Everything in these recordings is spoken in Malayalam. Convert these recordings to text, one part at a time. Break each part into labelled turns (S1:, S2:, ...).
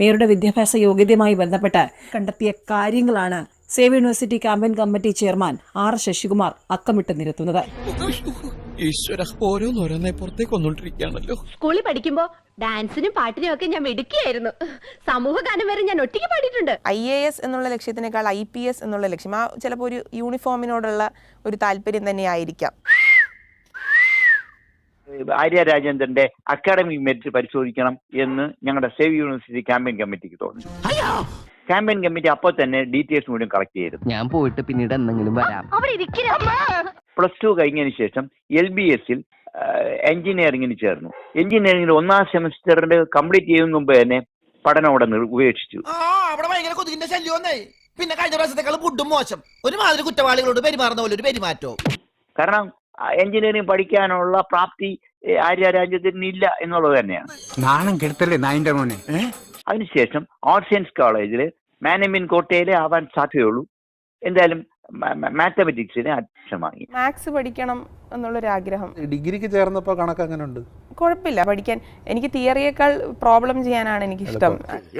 S1: മേയറുടെ വിദ്യാഭ്യാസ യോഗ്യതയുമായി ബന്ധപ്പെട്ട് കണ്ടെത്തിയ കാര്യങ്ങളാണ് save university campaign committee chairman R Sasikumar അക്കമിട്ട് നിരത്തുന്നത്.
S2: സ്കൂളിൽ പഠിക്കുമ്പോ ഡാൻസിനും പാട്ടിനും ഒക്കെ ഞാൻ മിടുക്കിയായിരുന്നു. സമൂഹ ഗാനം വരെ ഞാൻ ഒറ്റയ്ക്ക് പാടിയിട്ടുണ്ട്.
S3: IAS എന്നുള്ള ലക്ഷ്യത്തിനേക്കാൾ IPS എന്നുള്ള ലക്ഷ്യം, ആ ചിലപ്പോൾ ഒരു യൂണിഫോമിനോടുള്ള ഒരു താല്പര്യം തന്നെയായിരിക്കാം.
S4: ആര്യ രാജേന്ദ്രന്റെ അക്കാഡമിക് മെറിറ്റ് പരിശോധിക്കണം എന്ന് ഞങ്ങളുടെ സേവ് യൂണിവേഴ്സിറ്റി ക്യാമ്പയിൻ കമ്മിറ്റിക്ക് തോന്നി. ക്യാമ്പയിൻ കമ്മിറ്റി അപ്പോൾ തന്നെ ഡീറ്റെയിൽസ് മുഴുവൻ കളക്ട് ചെയ്തിരുന്നു.
S5: ഞാൻ പോയിട്ട് പിന്നീട് എന്തെങ്കിലും വരാം.
S4: +2 കഴിഞ്ഞതിന് ശേഷം LBSൽ എഞ്ചിനീയറിംഗിന് ചേർന്നു. എഞ്ചിനീയറിംഗിൽ 1ാം സെമസ്റ്ററിന്റെ കംപ്ലീറ്റ് ചെയ്യുന്ന മുമ്പ് തന്നെ പഠനം അവിടെ ഉപേക്ഷിച്ചു.
S6: പിന്നെ കഴിഞ്ഞ പ്രാവശ്യത്തെക്കാൾ ഫുഡും മോശം, ഒരുമാതിരി കുറ്റവാളികളോട് പെരുമാറുന്ന പോലെ ഒരു പെരുമാറ്റോ.
S4: കാരണം എഞ്ചിനീയറിംഗ് പഠിക്കാനുള്ള പ്രാപ്തി ആര്യ രാജേന്ദ്രന് ഇല്ല എന്നുള്ളത് തന്നെയാണ്.
S7: നാണം കെടുത്തല്ലേ നായിന്റെ മോനെ.
S4: അതിനുശേഷം ആർട്സ് സയൻസ് കോളേജിൽ മാനേജ്മെന്റ് കോട്ടയിലെ ആവാൻ സാധ്യതയുള്ളൂ. എന്തായാലും മാത്തമെറ്റിക്സിന് അഡ്മിഷൻ വാങ്ങി.
S3: മാത്സ് പഠിക്കണം എന്നുള്ളൊരാഗ്രഹം.
S8: ഡിഗ്രിക്ക് ചേർന്നപ്പോൾ കണക്ക് അങ്ങനെ ഉണ്ട്,
S3: കുഴപ്പമില്ല പഠിക്കാൻ. എനിക്ക് തിയറിയേക്കാൾ പ്രോബ്ലം ചെയ്യാനാണ് എനിക്കിഷ്ടം.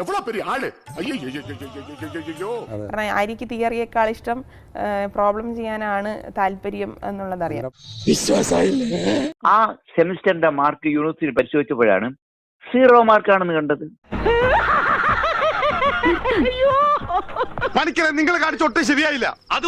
S3: കാരണം ആര്യക്ക് തിയറിയേക്കാൾ ഇഷ്ടം പ്രോബ്ലം ചെയ്യാനാണ് താല്പര്യം എന്നുള്ളതറിയാം.
S4: ആ സെമിസ്റ്ററിന്റെ മാർക്ക് യൂണിവേഴ്സിറ്റി പരിശോധിച്ചപ്പോഴാണ് 0 മാർക്കാണെന്ന് കണ്ടത്.
S7: നിങ്ങൾ കാണിച്ചോട്ടെ ശരിയായില്ല.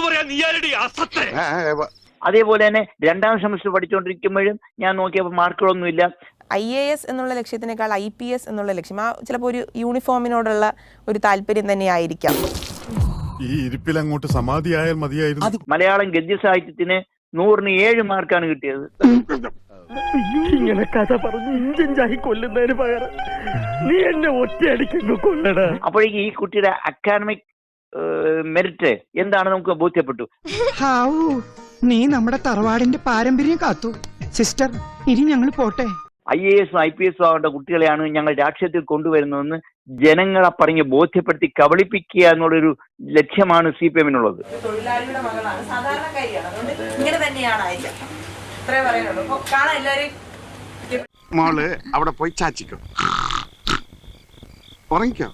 S4: അതേപോലെ തന്നെ 2ാം സെമസ്റ്റർ പഠിച്ചുകൊണ്ടിരിക്കുമ്പോഴും ഞാൻ നോക്കിയപ്പോൾ മാർക്കുകളൊന്നുമില്ല.
S3: IAS എന്നുള്ള ലക്ഷ്യത്തിനേക്കാൾ IPS എന്നുള്ള ലക്ഷ്യം, ആ ചിലപ്പോൾ ഒരു യൂണിഫോമിനോടുള്ള ഒരു താല്പര്യം തന്നെയായിരിക്കാം.
S9: ഈ ഇരിപ്പിൽ അങ്ങോട്ട് സമാധിയായാൽ മതിയായിരുന്നു.
S4: മലയാളം ഗദ്യ സാഹിത്യത്തിന് 100ന് 7 മാർക്കാണ് കിട്ടിയത്.
S10: ഇങ്ങനെ കഥ പറഞ്ഞ് ഇഞ്ചിഞ്ചായി കൊല്ലുന്നതിന് പകരം നീ എന്നെ ഒറ്റയടിക്കുന്നു കൊല്ലടാ.
S4: അപ്പോഴേക്ക് ഈ കുട്ടിയുടെ അക്കാഡമിക് മെറിറ്റ് എന്താണ് നമുക്ക് ബോധ്യപ്പെട്ടു.
S5: നീ നമ്മുടെ തറവാടിന്റെ പാരമ്പര്യം കാത്തു സിസ്റ്റർ. ഇനി ഞങ്ങൾ പോട്ടെ.
S4: IAS IPS ആവേണ്ട കുട്ടികളെയാണ് ഞങ്ങൾ രാഷ്ട്രീയത്തിൽ കൊണ്ടുവരുന്നതെന്ന് ജനങ്ങളെ പറഞ്ഞ് ബോധ്യപ്പെടുത്തി കബളിപ്പിക്കുക എന്നുള്ളൊരു ലക്ഷ്യമാണ് CPM-നുള്ളത്.
S3: തൊഴിലാളിയുടെ മകളാണ്, സാധാരണക്കാരിയാണ്, അതുകൊണ്ട് ഇങ്ങനെ തന്നെയാണ് ആര്യ. ഇത്രേ പറയാനുള്ളൂ. കാണാൻ എല്ലാവരും
S7: മോള് അവിടെ പോയി ചാച്ചിക്കോ, ഉറങ്ങിക്കോ.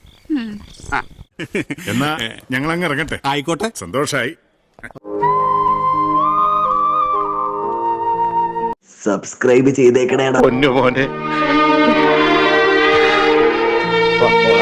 S9: എന്നാ ഞങ്ങൾ അങ്ങ് ഇറങ്ങട്ടെ.
S7: ആയിക്കോട്ടെ,
S9: സന്തോഷായി.
S5: സബ്സ്ക്രൈബ് ചെയ്തേക്കണേടാ പൊന്നു മോനെ.